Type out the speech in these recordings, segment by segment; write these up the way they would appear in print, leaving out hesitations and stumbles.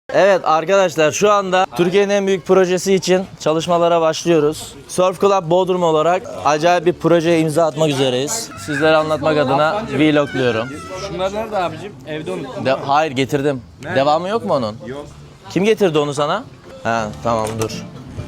Evet arkadaşlar şu anda Türkiye'nin en büyük projesi için çalışmalara başlıyoruz. Surf Club Bodrum olarak acayip bir projeye imza atmak üzereyiz. Sizlere anlatmak adına vlogluyorum. Şunlar nerede abicim? Evde unuttum. Hayır getirdim. Nerede? Devamı yok mu onun? Yok. Kim getirdi onu sana? Ha tamam dur.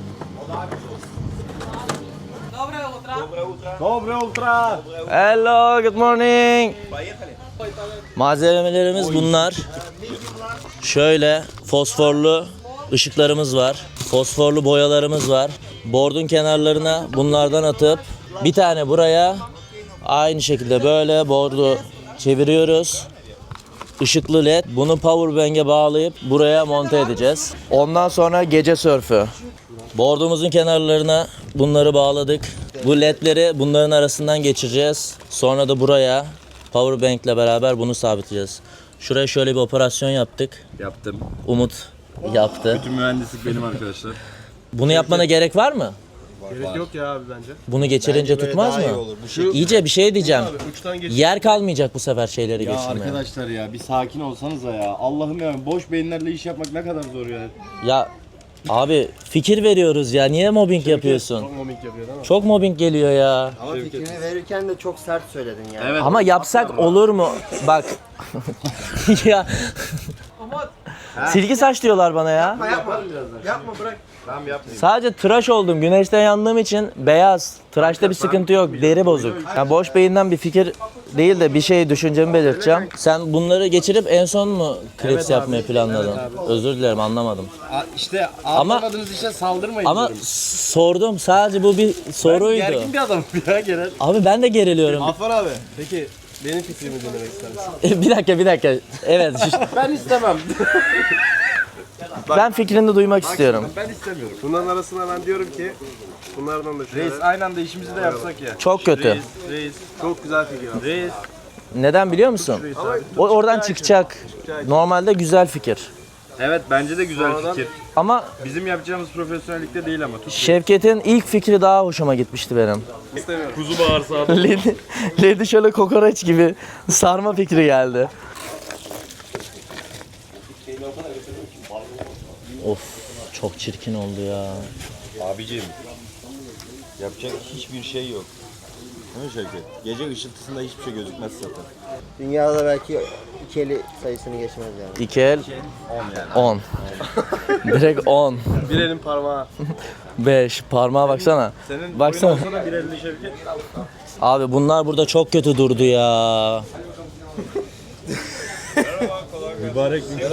Dobre ultra. Hello, good morning. Malzemelerimiz bunlar. Şöyle fosforlu ışıklarımız var. Fosforlu boyalarımız var. Board'un kenarlarına bunlardan atıp bir tane buraya aynı şekilde böyle board'u çeviriyoruz. Işıklı led. Bunu powerbank'e bağlayıp buraya monte edeceğiz. Ondan sonra gece sörfü. Board'umuzun kenarlarına bunları bağladık. Bu ledleri bunların arasından geçireceğiz. Sonra da buraya powerbank ile beraber bunu sabitleyeceğiz. Şuraya şöyle bir operasyon yaptık. Yaptım. Umut yaptı. Bütün mühendislik benim arkadaşlar. Bunu yapmana gerek var mı? Gerek yok ya abi bence. Bunu geçirince tutmaz mı? İyice bir şey diyeceğim. Uçtan geç. Yer kalmayacak bu sefer şeyleri Ya geçirmeye. arkadaşlar ya bir sakin olsanıza ya. Allah'ım ya boş beyinlerle iş yapmak ne kadar zor ya. Ya abi fikir veriyoruz ya. Niye mobbing yapıyorsun? Çok mobbing yapıyor değil mi? Çok mobbing geliyor ya. Ama fikrini verirken de çok sert söyledin yani. Evet. Ama yapsak olur mu? Bak. Ya. Silgi saç diyorlar bana ya. Yapma bırak. Tamam yapmayayım. Sadece tıraş oldum. Güneşte yandığım için beyaz. Tıraşta bir sıkıntı yok. Deri bozuk. Yani boş beyinden bir fikir değil de bir şey düşüncemi belirteceğim. Sen bunları geçirip en son mu klips yapmayı planladın? Özür dilerim anlamadım. İşte Ama- anlamadığınız işe saldırmayın Ama diyorum. sordum. Sadece bu bir soruydu. Gergin bir adamım ya genel. Abi ben de geriliyorum. Afan abi. Peki benim fikrimi dinlemek ister misin? Bir dakika. Evet. Ben istemem. Ben fikrini duymak istiyorum. Ben istemiyorum. Bunların arasına ben diyorum ki bunlardan da şöyle. Reis aynı anda işimizi de yapsak ya. Çok kötü. Reis. Çok güzel fikir abi. Reis. Neden biliyor musun? O oradan çıkacak. Normalde güzel fikir. Evet bence de güzel Sonradan- fikir. Ama Bizim yapacağımız profesyonellikte değil ama. Şevket'in ilk fikri daha hoşuma gitmişti benim. İstemiyorum. Kuzu bağırsağı. Ledi şöyle kokoreç gibi sarma fikri geldi. Of çok çirkin oldu ya. Abicim, yapacak hiçbir şey yok. Değil mi Şevket? Gece ışıltısında hiçbir şey gözükmez zaten. Dünyada belki iki eli sayısını geçmez yani. İki el 10. Direkt 10. Bir elin parmağı. 5. Parmağa baksana. Senin Baksana. boyun olsa da bir elli Şevket. Abi bunlar burada çok kötü durdu ya. Mübarek bir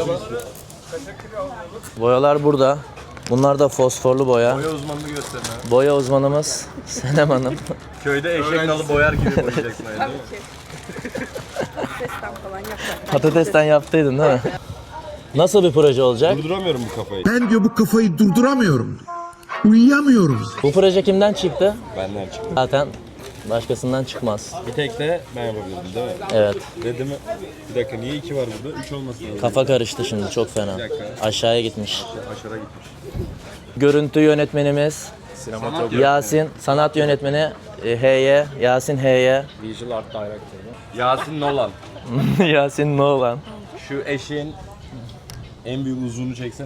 Boyalar burada. Bunlar da fosforlu boya. boya uzmanlığı gösterme. Boya uzmanımız Senem Hanım. Köyde eşek nalı boyar gibi boyayacaksın aynı. Patatesten falan yapacak. Patatesten yaptıydın değil mi? Nasıl bir proje olacak? Durduramıyorum bu kafayı. Ben diyor bu kafayı durduramıyorum. Uyuyamıyorum. Bu proje kimden çıktı? Benden çıktı. Zaten başkasından çıkmaz. Bir tek de ben yapabilirim değil mi? Evet. Dedim mi? Bir dakika niye 2 var burada? 3 olmasın lazım. Kafa karıştı şimdi çok fena. Aşağıya gitmiş. Aşağı gitmiş. Görüntü yönetmenimiz Yasin, sanat yönetmeni H'ye, Yasin H'ye, Visual Art Director. Yasin Nolan. Yasin Nolan. Şu eşeğin En büyük uzunluğunu çeksene.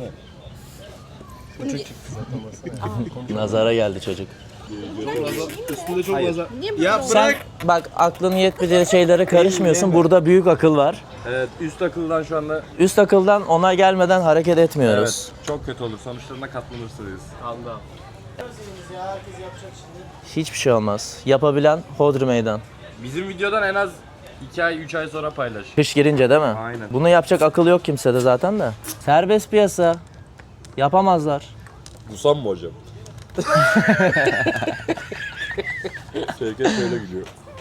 Nazara geldi çocuk. Üstünde çok fazla. ya Sen bak aklın yetmediği şeylere karışmıyorsun. Burada büyük akıl var. Evet üst akıldan şu anda Üst akıldan ona gelmeden hareket etmiyoruz. çok kötü olur. Sonuçlarına katlanırsınız. Anda. Hiçbir şey olmaz. Yapabilen hodri meydan. Bizim videodan en az 2 ay 3 ay sonra paylaş. Kış girince değil mi? Aynen. Bunu yapacak akıl yok kimsede zaten de. Serbest piyasa. Yapamazlar. Busam mı hocam? Şevket şöyle gülüyor.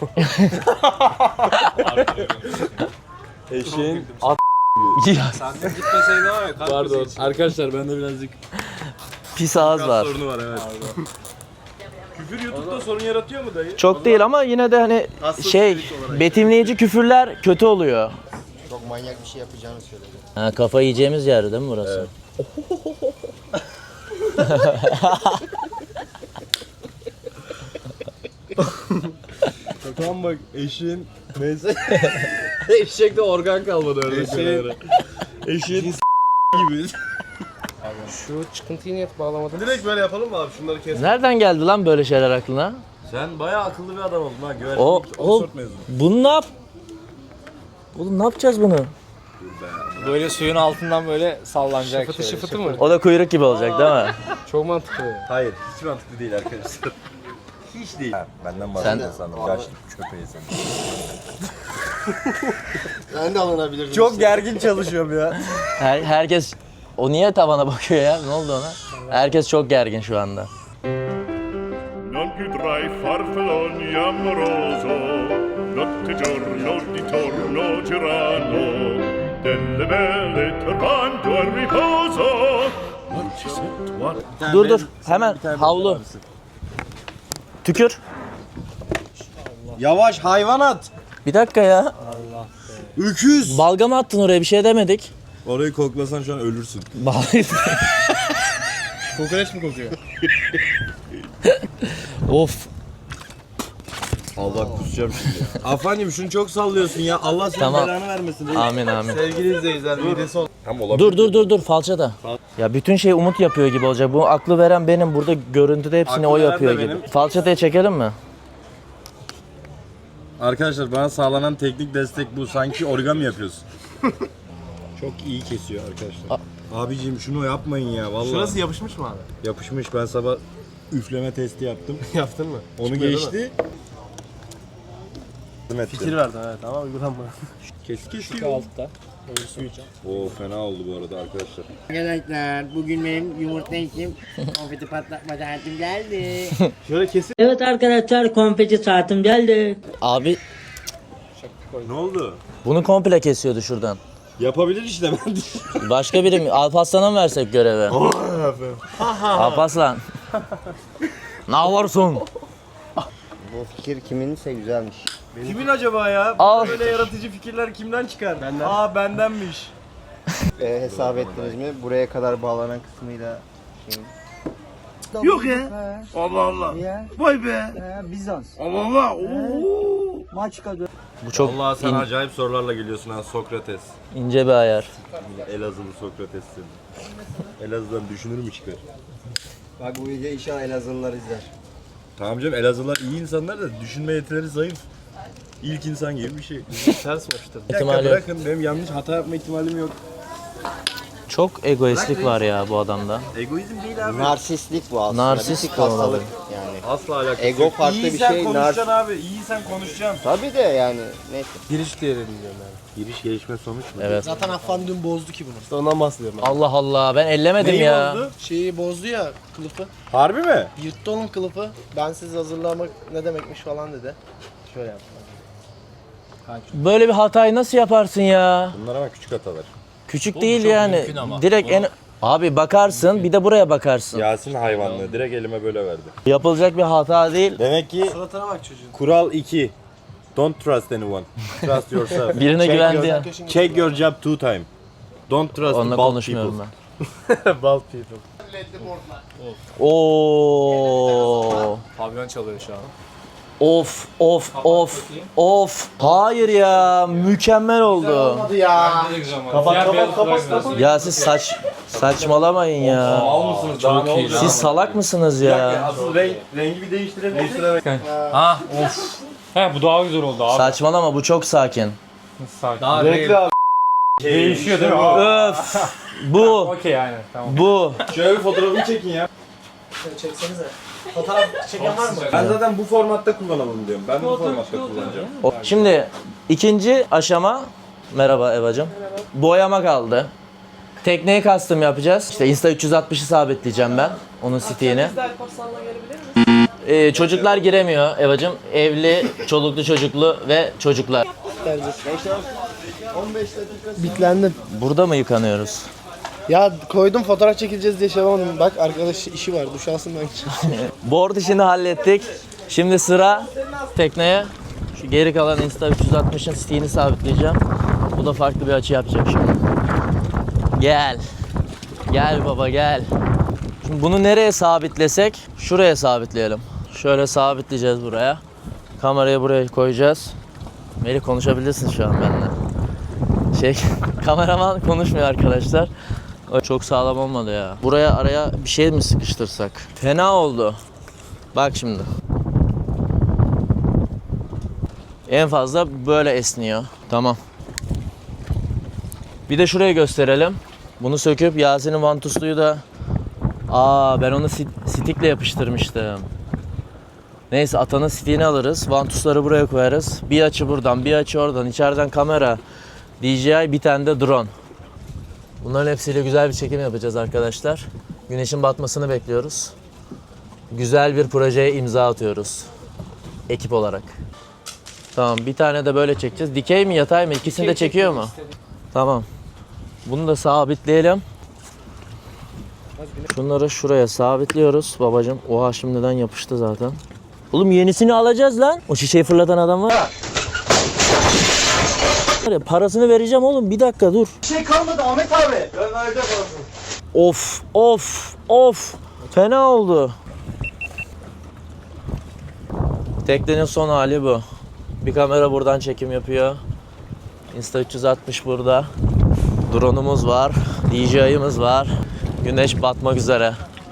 Eşeğin Ya, Pardon. Arkadaşlar bende birazcık pis ağız var. sorunu var evet. Küfür YouTube'da sorun yaratıyor mu dayı? Çok değil ama yine de hani şey betimleyici küfürler kötü oluyor. Çok manyak bir şey yapacağını söyledi. Ha, kafa yiyeceğimiz yer değil mi burası? Tam bak eşeğin neyse Eşekte organ kalmadı öyle. eşeğin gibi. Şu çıkıntıyı niye bağlamadın? Direkt böyle yapalım mı abi? Şunları kes. Nereden geldi lan böyle şeyler aklına? Sen bayağı akıllı bir adam oldun ha. Güvenlik O Oxford mezunu. bunu ne yap? Oğlum ne yapacağız bunu? Böyle suyun altından böyle sallanacak. Şıfıtı şıfıtı mı? O da kuyruk gibi olacak değil mi? Çok mantıklı. Hayır, hiç mantıklı değil arkadaşlar. Hiç değil. Ha, benden bahsediyorsun sandım. Yaşlı köpeği sen. Ben de alınabilirdim. Çok gergin çalışıyorum ya. Herkes o niye tavana bakıyor ya? Ne oldu ona? Herkes çok gergin şu anda. Non più tra i farfalloni amoroso, notte giorno di torno girano, delle belle turbando al riposo, non ci sento Dur hemen havlu. Tükür. Yavaş hayvanat. Bir dakika ya. Öküz. Balgam attın oraya bir şey demedik. Orayı koklasan şu an ölürsün. Kokoreç mi kokuyor? Of. Allah kusacağım şimdi. Afancım şunu çok sallıyorsun ya. Allah senin Tamam. belanı vermesin. Amin amin. Sevgili izleyiciler midesi ol. Tam olabilir. Dur falçata. Ya bütün şey Umut yapıyor gibi olacak. Bu aklı veren benim. Burada görüntüde hepsini Aklı o veren yapıyor de gibi. benim. Falçatayı çekelim mi? Arkadaşlar bana sağlanan teknik destek bu. Sanki origami yapıyorsun. Çok iyi kesiyor arkadaşlar. Abiciğim şunu yapmayın ya vallahi. Şurası yapışmış mı abi? Yapışmış. Ben sabah üfleme testi yaptım. Yaptın mı? Onu Çıkmıyor değil geçti. Fikir verdim evet ama uygulanma. Kesiyor. Altta. Oo fena oldu bu arada arkadaşlar. Arkadaşlar bugün benim yumurta için konfeti patlatma saatim geldi. Şöyle kesin. Evet arkadaşlar konfeti saatim geldi. Abi Ne oldu? bunu komple kesiyordu şuradan. Yapabilir işte ben de. Başka biri mi? Alparslan'a mı versek görevi? Alparslan. Ne varsın? Bu fikir kiminse güzelmiş. Kimin acaba ya? Al. Böyle yaratıcı fikirler kimden çıkar? Benden. Aa bendenmiş. Hesap ettiniz mi? Buraya kadar bağlanan kısmıyla şeyin. Yok ya. Allah Allah. Vay be. Bizans. Allah Allah. Oo. Bu çok Allah sen acayip sorularla geliyorsun ha Sokrates. ince bir ayar. Elazığlı Sokrates'sin. Elazığ'dan düşünür mü çıkar? Bak bu videoyu inşallah Elazığlılar izler. Tamam canım Elazığlılar iyi insanlar da düşünme yetileri zayıf. İlk insan gibi bir şey. Ters mi yapıştırdın? Bir dakika İhtimali- bırakın benim yanlış hata yapma ihtimalim yok. Çok egoistlik var ya bu adamda. Egoizm değil abi. Narsistlik bu aslında. Narsist Bir hastalık olmalı. yani. Asla alakası Ego yok. farklı İyi bir sen şey, konuşacaksın abi. İyi sen konuşacaksın. Tabii de yani neyse. Giriş diyelim diyorum yani. Giriş gelişme sonuç mu? Evet. Zaten Affan dün bozdu ki bunu. İşte ondan bahsediyorum ben. Allah Allah ben ellemedim Neyi ya. oldu? Şeyi bozdu ya kılıfı. Harbi mi? Yırttı onun kılıfı. Ben siz hazırlamak ne demekmiş falan dedi. Şöyle yaptı. Böyle bir hatayı nasıl yaparsın ya? Bunlar ama küçük hatalar. Küçük değil yani. Direkt en abi bakarsın bir de buraya bakarsın. Yasin hayvanlığı direkt elime böyle verdi. Yapılacak bir hata değil. Demek ki Suratına bak çocuğun. kural 2. Don't trust anyone. Trust yourself. Birine Check güvendi your- ya. Check your job 2 time. Don't trust Onunla bald konuşmuyorum people. ben. Bald people. Oo. Pavyon çalıyor şu an. Of. Hayır ya mükemmel oldu. Kapat. Ya siz saçmalamayın ya. Al mısınız? Daha ne olacak? Siz salak mısınız ya? Asıl rengi bir değiştirebiliriz. Ha of. He bu daha güzel oldu abi. Saçmalama bu çok sakin. Daha Renkli abi. değişiyor değil mi? Öf. Bu. Okey yani tamam. Bu. Şöyle bir fotoğrafını çekin ya. Çeksenize. Fotoğraf çeken var mı? Ben zaten bu formatta kullanalım diyorum. Ben bu formatta kullanacağım. Şimdi ikinci aşama. Merhaba Evacım. Boyama kaldı. Tekneyi custom yapacağız. İşte Insta 360'ı sabitleyeceğim ben. Onun stiğini. Çocuklar giremiyor Evacım. Evli, çoluklu çocuklu ve çocuklar. Bitlendim. Burada mı yıkanıyoruz? Ya koydum fotoğraf çekileceğiz diye şey yapamadım. Bak arkadaş işi var duş alsın ben. Board işini hallettik. Şimdi sıra tekneye. Şu geri kalan Insta 360'ın stiğini sabitleyeceğim. Bu da farklı bir açı yapacak şimdi. Gel. Gel baba gel. Şimdi bunu nereye sabitlesek? Şuraya sabitleyelim. Şöyle sabitleyeceğiz buraya. Kamerayı buraya koyacağız. Melih konuşabilirsin şu an benimle. Kameraman konuşmuyor arkadaşlar. O Çok sağlam olmadı ya. Buraya araya bir şey mi sıkıştırsak? Fena oldu. Bak şimdi. En fazla böyle esniyor. Tamam. Bir de şuraya gösterelim. Bunu söküp Yasin'in vantusluyu da... ben onu stikle yapıştırmıştım. Neyse atanın stiğini alırız. Vantusları buraya koyarız. Bir açı buradan, bir açı oradan. İçeriden kamera, DJI, bir tane de drone. Bunların hepsiyle güzel bir çekim yapacağız arkadaşlar. Güneşin batmasını bekliyoruz. Güzel bir projeye imza atıyoruz. Ekip olarak. Tamam, bir tane de böyle çekeceğiz. Dikey mi yatay mı? İkisini de çekiyor mu? Tamam. Bunu da sabitleyelim. Şunları şuraya sabitliyoruz babacığım. Oha şimdiden yapıştı zaten. Oğlum yenisini alacağız lan. O şişeyi fırlatan adam var. Parasını vereceğim oğlum. Bir dakika dur. Bir şey kalmadı Ahmet abi. Ben vereceğim parasını. Of. Fena oldu. Teknenin son hali bu. Bir kamera buradan çekim yapıyor. Insta360 burada. Drone'umuz var. DJI'miz var. Güneş batmak üzere.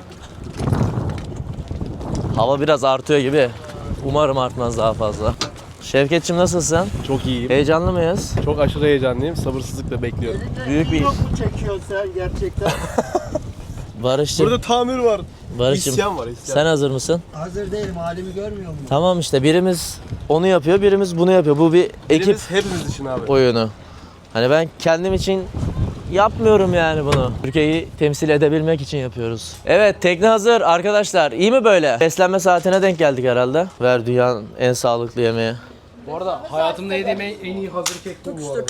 Hava biraz artıyor gibi. Umarım artmaz daha fazla. Şevketçim nasılsın? Çok iyiyim. Heyecanlı mıyız? Çok aşırı heyecanlıyım. Sabırsızlıkla bekliyorum. Büyük bir... Çok mu çekiyorsun sen gerçekten? Barış'cığım, Burada tamir var. Barış'cığım İsyan var, isyan. sen hazır mısın? Hazır değilim, halimi görmüyor musun? Tamam işte birimiz onu yapıyor, birimiz bunu yapıyor. Bu bir ekip Birimiz hepimiz için abi. oyunu. Hani ben kendim için yapmıyorum yani bunu. Türkiye'yi temsil edebilmek için yapıyoruz. Evet, tekne hazır arkadaşlar. İyi mi böyle? Beslenme saatine denk geldik herhalde. Ver dünyanın en sağlıklı yemeği. Bu arada hayatımda yediğim en iyi hazır kek bu arada.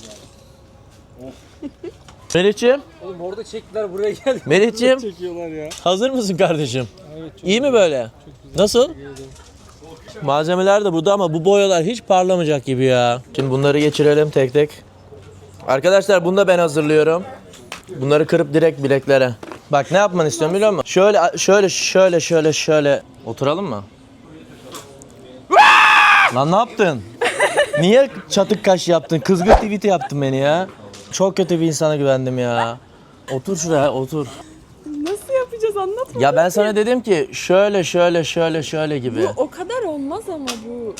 Melih'ciğim. Oğlum orada çektiler buraya geldik. Melih'ciğim. Çekiyorlar ya. Hazır mısın kardeşim? Evet, çok İyi mi böyle? Nasıl? Malzemeler de burada ama bu boyalar hiç parlamayacak gibi ya. Şimdi bunları geçirelim tek tek. Arkadaşlar bunu da ben hazırlıyorum. Bunları kırıp direkt bileklere. Bak ne yapmanı istiyorum biliyor musun? Şöyle. Oturalım mı? Lan ne yaptın? Niye çatık kaş yaptın? Kızgın tweet'i yaptın beni ya. Çok kötü bir insana güvendim ya. Otur şuraya, otur. Nasıl yapacağız anlat. Ya ben sana dedim ki şöyle gibi. O kadar olmaz ama bu.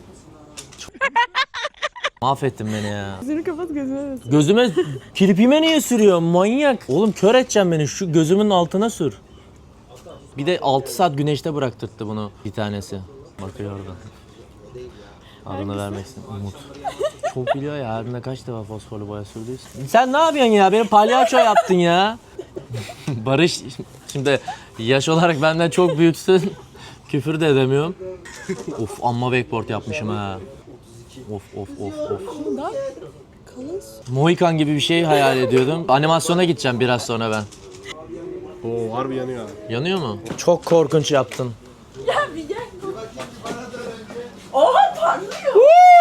Mahvettin beni ya. Gözünü kapat gözüme basın. Gözüme, kirpime niye sürüyor manyak? Oğlum kör edeceğim beni, şu gözümün altına sür. Bir de 6 saat güneşte bıraktırdı bunu bir tanesi. Bakıyor orada. Adını vermek istedim. Umut. Çok biliyor ya, her kaç defa fosforlu boya sürdüyse. Sen ne yapıyorsun ya? Beni palyaço yaptın ya. Barış, şimdi yaş olarak benden çok büyüksün. Küfür de edemiyorum. Of, amma wakeboard yapmışım ha. Of. Bundan kalın. Mohikan gibi bir şey hayal ediyordum. Animasyona gideceğim biraz sonra ben. Oo harbi yanıyor abi. Yanıyor mu? Çok korkunç yaptın. Ya bir gel. Oha parlıyor.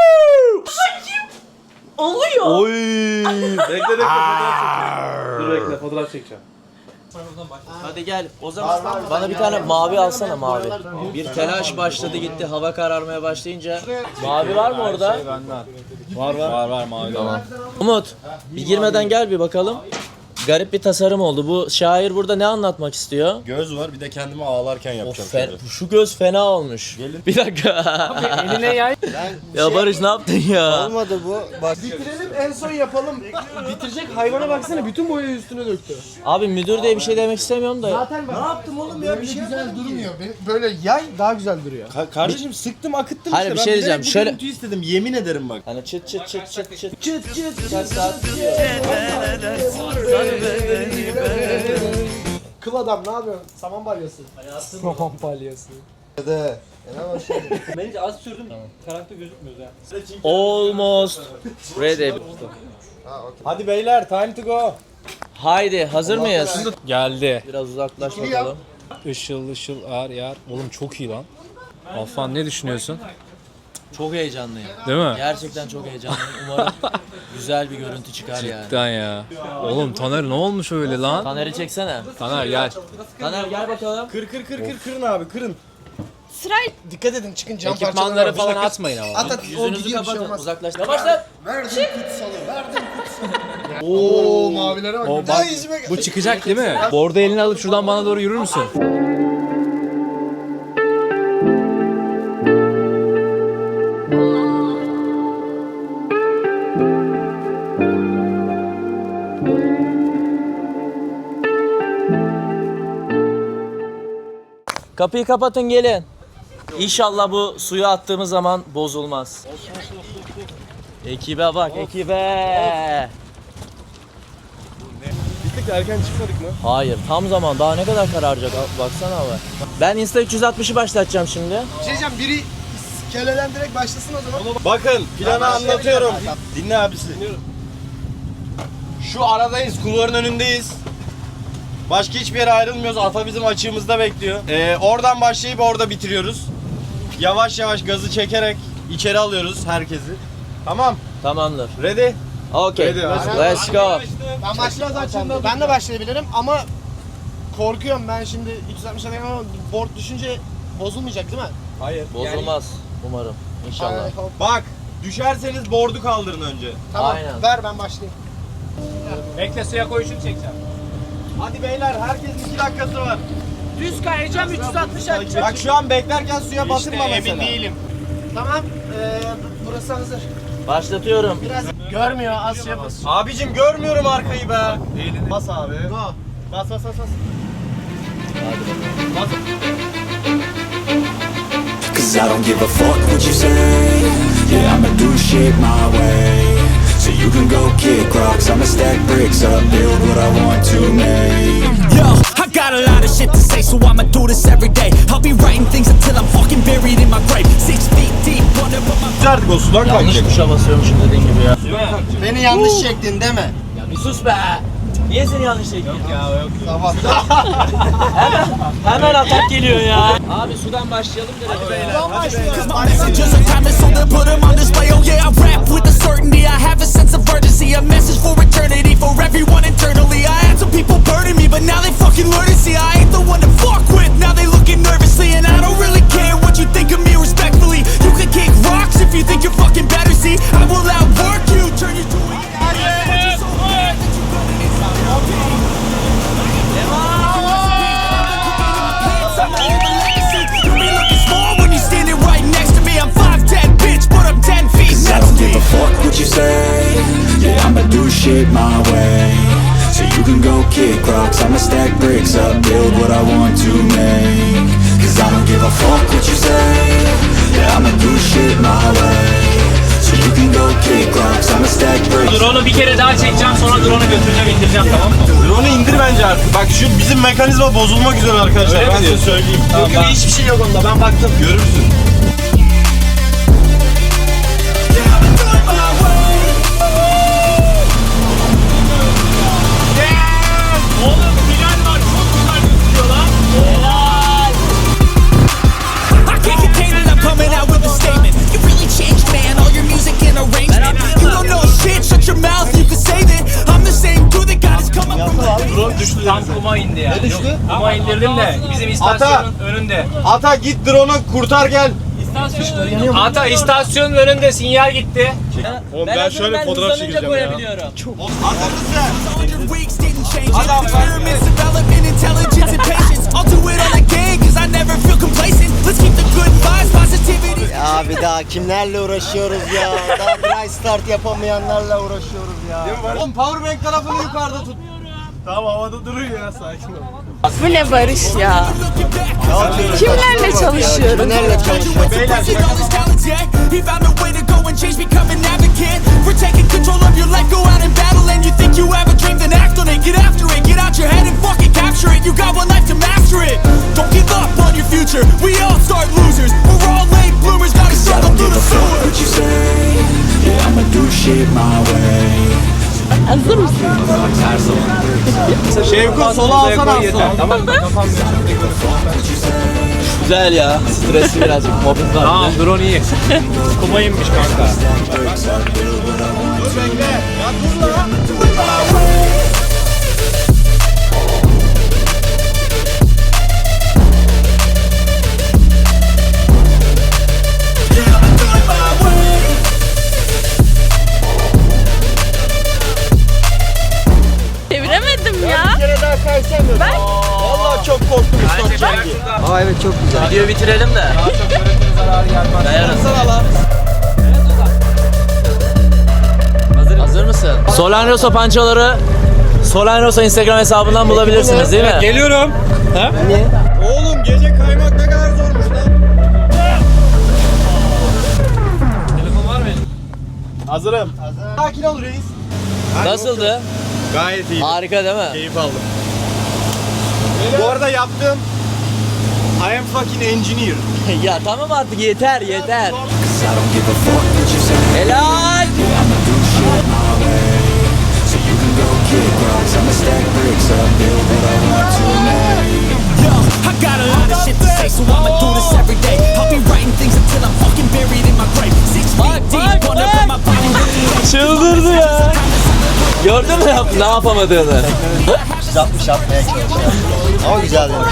Oluyor. Oy! Bekle Dur bekle fotoğraf çekeceğim. Hadi gel. O zaman bana bir tane mavi alsana, mavi. Bir telaş başladı gitti. Hava kararmaya başlayınca. Mavi var mı orada? Var mavi. Tamam. Umut, bir girmeden gel bir bakalım. Garip bir tasarım oldu. Bu şair burada ne anlatmak istiyor? Göz var, bir de kendimi ağlarken yapacağım. Şu göz fena olmuş. Bir dakika. Eline yay. Ya Barış ne yaptın ya? Olmadı bu. Bak. Bitirelim en son yapalım. Bitirecek hayvana baksana bütün boyayı üstüne döktü. Abi müdür diye bir şey demek istemiyorum da. Zaten ben... Ne yaptım oğlum ya, bir şey güzel durmuyor. Böyle yay daha güzel duruyor. Kardeşim sıktım akıttım Hayır, işte. bir şey Ben diyeceğim. bilerek bu Şöyle- görüntüyü istedim, yemin ederim bak. Hani çıt. Kaç saat gidiyor? Kıl adam ne yapıyorsun? Saman balyası. Saman balyası. Bence az sürdüm. Karanlıkta gözükmüyor ya. Almost ready. Hadi beyler, time to go. Haydi hazır mıyız? Geldi. Biraz uzaklaş bakalım. Işıl ağır yar. Oğlum çok iyi lan. Afan ne düşünüyorsun? Çok heyecanlıyım. Değil mi? Gerçekten çok heyecanlıyım. Umarım güzel bir görüntü çıkar yani. Cidden ya. Oğlum Taner ne olmuş öyle lan? Taner'i çeksene. Taner gel. Taner gel bakalım. Kırın abi, kırın. Sırayla. Dikkat edin çıkın cam parçaları Ekipmanları var. falan atmayın ama. At o Yüzünüzü gidiyor bir şey kapatın. olmaz. Uzaklaşın. Yavaşlar. Verdim kutsalı, verdim kutsalı. Oo mavilere bak. O Bir daha bak, yüzüme... bu çıkacak değil mi? Bordo elini alıp şuradan bana doğru yürür müsün? Kapıyı kapatın gelin. İnşallah bu suya attığımız zaman bozulmaz. Ekibe bak ekibe. Bittik de erken çıkmadık mı? Hayır tam zaman daha ne kadar kararacak baksana abi. Ben Insta 360'ı başlatacağım şimdi. Bir şey diyeceğim biri iskeleden direkt başlasın o zaman. Bakın planı anlatıyorum. Dinle abisi. Şu aradayız, kulvarın önündeyiz. Başka hiçbir yere ayrılmıyoruz. Alfa bizim açığımızda bekliyor. Oradan başlayıp orada bitiriyoruz. Yavaş yavaş gazı çekerek içeri alıyoruz herkesi. Tamam. Tamamdır. Ready? Okay. Let's go. Ben başlayabilirim. Ben de başlayabilirim ama korkuyorum ben şimdi 360'a denk ama board düşünce bozulmayacak değil mi? Hayır. Bozulmaz umarım. İnşallah. Bak, düşerseniz board'u kaldırın önce. Tamam Aynen. ver ben başlayayım. Bekle suya koyuşunu çekeceğim. Hadi beyler, herkesin 2 dakikası var. Düz kayacağım 360 atacağım. Bak şu an beklerken suya batırma mesela. Emin değilim. Tamam burası hazır. Başlatıyorum. Biraz görmüyor az şey yapasın. Abicim görmüyorum arkayı be. Bas abi. Bas bas bas bas. Cause I don't give a fuck what you say. Yeah, I'ma do shit my way. So you can go kick rocks, I'ma stack bricks up, build what I want to make. Yo, I got a lot of shit to say, so I'ma do this every day. I'll be writing things until I'm fucking buried in my grave. 6 feet deep, wonder what my... Artık o sudan Yanlış kalkacak. tuşa basıyormuşum dediğin gibi ya. Beni yanlış çektin değil mi? Ya bir sus be. Niye seni yanlış çektin? Tamam. Hemen atak geliyor ya. Abi sudan başlayalım direkt beyler. Cause my messages are timeless, so they put them on display. Oh yeah, I rap with a certainty, I have a sense of urgency. A message for eternity, for everyone internally. I had some people burning me, but now they fucking learn to see I ain't the one to fuck with, now they looking nervously. And I don't really care what you think of me respectfully. You can kick rocks if you think you're fucking better, see I will outwork you, turn you to a... Fuck what you say, yeah, I'ma do shit my way. So you can go kick rocks, I'ma stack bricks up, build what I want to make. Cause I don't give a fuck what you say, yeah, I'ma do shit my way. So you can go kick rocks, I'ma stack bricks. Drone'u bir kere daha çekeceğim, sonra drone'u götüreceğim, indireceğim, tamam mı? Drone'u indir bence artık. Bak şu bizim mekanizma bozulmak üzere arkadaşlar. Öyle mi Ben size diyorsun? söyleyeyim. Tamam, Yok, hiçbir şey yok onda. Ben baktım. Görürsün. Oğlum Bilal var, çok güzel gözüküyor lan. I can't contain it, I'm coming out with a statement. You really changed, man, all your music and arrangement. You don't know shit, shut your mouth, you can say that. I'm the same dude that got his come up from the... Drone düştü. Tam kuma indi yani. Ne düştü? Kuma indirdim de bizim istasyonun önünde. Ata git drone'u kurtar gel. Ata istasyonun önünde sinyal gitti. Oğlum ben şöyle fotoğraf çekeceğim ya. koyabiliyorum. Hazır mısın? 100 weeks didn't change it. Experiments, development, intelligence, and patience. I'll do it all again, cause I never feel complacent. Let's keep the good vibes, positivity. Ya bir daha kimlerle uğraşıyoruz ya? Daha dry start yapamayanlarla uğraşıyoruz ya. Oğlum powerbank tarafını yukarıda tut. Tamam havada durun ya sakin ol. Bu ne Barış ya? Kimlerle çalışıyorum? Kimlerle çalışıyoruz? Beyler All his talents, yeah. He found a way to go and change, become an advocate for taking control of your life. Go out and battle, and you think you have a dream, then act on it. Get after it, get out your head and fucking capture it. You got one life to master it. Don't give up on your future. We all start losers. We're all late bloomers, gotta struggle through the sewer. What you say? Yeah, I'ma do shit my way. Hazır mısın? Şevkut sola alsana aslında. Tamam mı? Kafam Güzel ya. Stresli birazcık. Mobbing var. Tamam, drone iyi. Kuma inmiş kanka. Dur bekle. Ya dur lan. Aa evet çok güzel. Videoyu bitirelim de. Kayarız. Hazır mısın? Solan Rosa pançoları Solan Rosa Instagram hesabından bulabilirsiniz değil mi? Geliyorum. Ha? Oğlum gece kaymak ne kadar zormuş lan. Telefon var mı? Hazırım. Sakin ol reis. Nasıldı? Gayet iyi. Harika değil mi? Keyif aldım. Bu arada yaptım. I am fucking engineer. Ya tamam artık yeter. Helal. Yo, I got a lot of shit to say, so I'ma do this every day. I'll be writing things until I'm fucking buried in my grave. 6 feet deep, wonder if my body really Çıldırdı ya. Gördün mü ne yapamadığını? 360 yapmaya çalışıyorum. Ama güzel yani.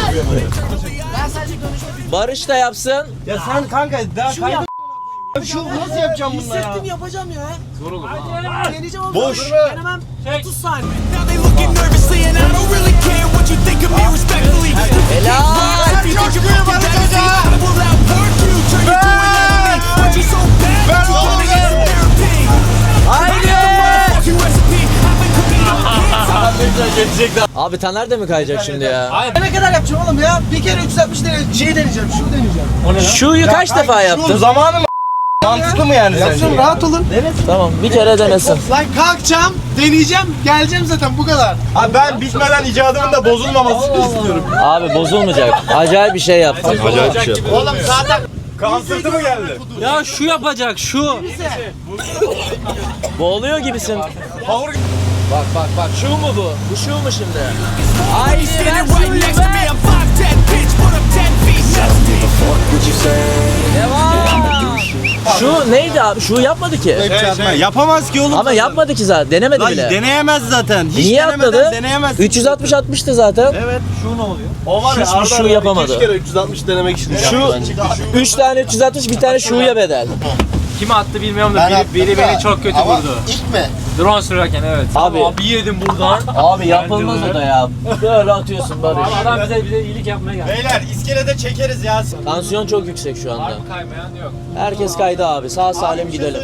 Barış da yapsın. Ya sen kanka daha kaydı. Şu nasıl yapacağım bununla ya? Hissettim yapacağım ya. Zor olur. Deneyeceğim ama Boş. denemem 30 saniye. Now they looking nervously, and I don't really care what you think of me respectfully. Helal. If you think you're fucking better, see, I will outwork you, turn you to an enemy. Want you so bad that you wanna get some therapy. Haydi. Fucking recipe, I've been cooking up. Abi Taner de mi kayacak şimdi ya? Ne kadar yapacağım oğlum ya? Bir kere 360 deneyeceğim, şunu deneyeceğim. Şuyu kaç defa Şu yaptın? zamanı mı? Mantıklı mı yani sence? Yapsın rahat olun. Tamam bir kere denesin. Lan kalkacağım, deneyeceğim, geleceğim zaten bu kadar. Abi ben bitmeden icadımın da bozulmamasını istiyorum. Abi bozulmayacak. Acayip bir şey yaptın. Acayip bir şey. Oğlum zaten kan sırtı mı geldi? Ya şu yapacak şu. Boğuluyor gibisin. Power Bak şu mu bu? Bu şu mu şimdi? He's standing right next to me, I'm 5'10", bitch, but I'm 10 feet next to me. Devam. Şu neydi abi? Şu yapmadı ki. Yapamaz ki oğlum. Ama yapmadı ki zaten. Denemedi Lan bile. deneyemez zaten. Hiç Niye denemeden atladı? deneyemez. 360 atmıştı zaten. Evet, şu ne oluyor? O var ya Şu yapamadı. 3 kere 360 denemek için. Şu 3 tane 360 bir tane şuya bedel. Kime attı bilmiyorum da biri beni çok kötü vurdu. İlk mi? Drone sürerken evet. Abi. Bir yedim buradan. Abi yapılmaz o da ya. Böyle atıyorsun Barış. Adam bize iyilik yapmaya geldi. Beyler iskelede çekeriz ya. Tansiyon çok yüksek şu anda. Kaymayan yok. Herkes kaydı abi. Sağ salim gidelim.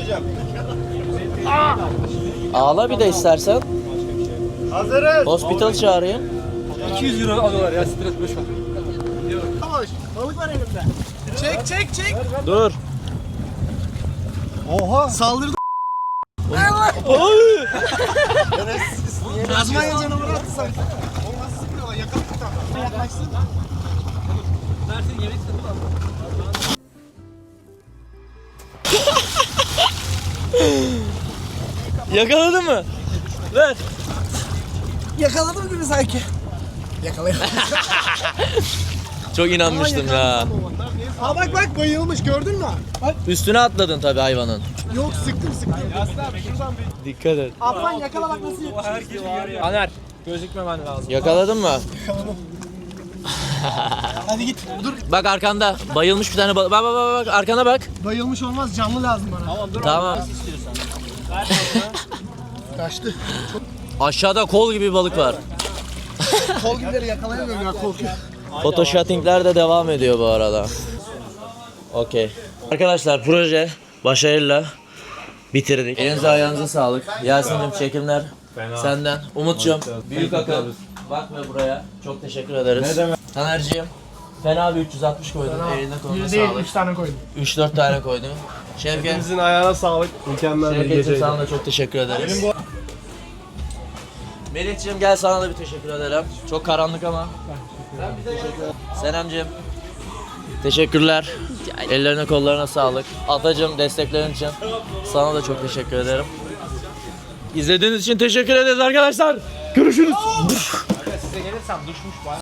Ağla bir de istersen. Hazırız. Hospital çağırayım. 200 euro alıyorlar ya stres boş ver. Yavaş, balık var elimde. Çek. Dur. Oha. Saldırdı. Azmanya canavarı attı sanki. Oğlum nasıl sıkıyorlar? Yakaladı bir tane. Yaklaşsın. Mersin yemek Yakaladın mı? Ver. Yakaladım gibi sanki. Yakalayamadım. Çok inanmıştım ya. Ha bak bayılmış gördün mü? Bak Üstüne atladın tabii hayvanın. yok sıktım. Dikkat et. Afan yakala bak nasıl yapıyor. Aner gözükmemen lazım. Yakaladın mı? Hadi git. Dur Bak arkanda. Bayılmış bir tane balık. Bak arkana bak. bayılmış olmaz canlı lazım bana. Tamam. Kaçtı. Aşağıda kol gibi bir balık var. Kol gibileri yakalayamıyorum ya korkuyor. Photoshootingler de devam ediyor bu arada. Okey. Arkadaşlar proje başarıyla bitirdik. Elinize ayağınıza sağlık. Yasin'cim çekimler senden. Umut'cum büyük akıl. Bakma buraya. Çok teşekkür ederiz. Ne demek? Taner'ciğim fena bir 360 koydun. Eline koluna sağlık. 3 tane koydum. 3-4 tane koydun. Şevket. Hepinizin ayağına sağlık. Mükemmel bir Şevket'cim geceydi. sana da çok teşekkür ederiz. Melih'ciğim gel sana da bir teşekkür ederim. Çok karanlık ama. Senem'ciğim. Teşekkürler. Ellerine kollarına sağlık. Atacığım desteklerin için sana da çok teşekkür ederim. İzlediğiniz için teşekkür ederiz arkadaşlar. Görüşürüz. Size gelirsem düşmüş bayağı.